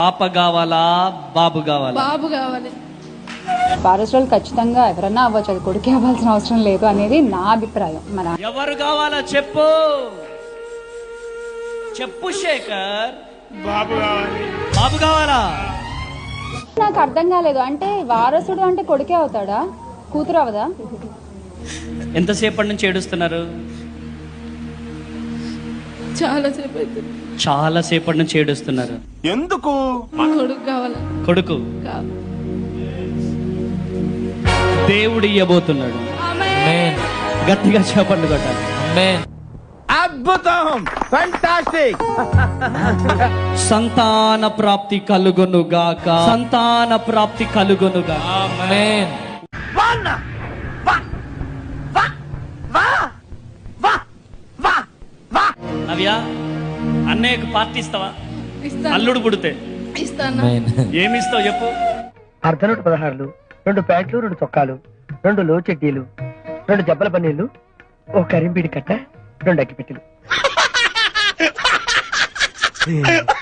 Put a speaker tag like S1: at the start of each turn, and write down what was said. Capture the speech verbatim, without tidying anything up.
S1: పాప కావాలా బాబు కావాలా?
S2: బాబు కావాలి.
S3: వారసులు ఖచ్చితంగా ఎవరన్నా అవ్వచ్చు, అది కొడుకే అవ్వాల్సిన అవసరం లేదు అనేది నా అభిప్రాయం. మన
S1: ఎవరు కావాలా చెప్పు చెప్పు శేఖర్.
S4: బాబు కావాలి.
S1: బాబు కావాలా?
S3: నాకు అర్థం కాలేదు. అంటే వారసుడు అంటే కొడుకే అవుతాడా, కూతురు అవదా?
S1: ఎంతసేపటి నుంచి ఏడుస్తున్నారు?
S2: చాలా సేపు అవుతుంది.
S1: చాలా సేపటి నుంచి ఏడుస్తున్నారు.
S4: ఎందుకు?
S2: కొడుకు కావాలి.
S1: కొడుకు
S2: కావాలి.
S1: దేవుడు ఇయ్యబోతున్నాడు.
S2: ఆమేన్.
S1: గట్టిగా చెప్పండి కొట్టాలి.
S4: అద్భుతం, ఫెంటాస్టిక్.
S1: సంతాన ప్రాప్తి కలుగును గాక. సంతాన ప్రాప్తి కలుగును గాక.
S5: ఆమేన్.
S1: నవ్య, అన్నయ్యకు పార్టీ ఇస్తావా?
S2: ఇస్తాను.
S1: అల్లుడు పుడితే
S2: ఇస్తాను.
S1: ఏమి ఇస్తావు చెప్పు.
S6: అర్ధ నూట పదహారులు, రెండు ప్యాంట్లు, రెండు చొక్కాలు, రెండు లో చెడ్డీలు, రెండు జబ్బల పన్నీళ్లు, ఓ కరింబీడి కట్ట, రెండు అగ్గిపెట్టెలు.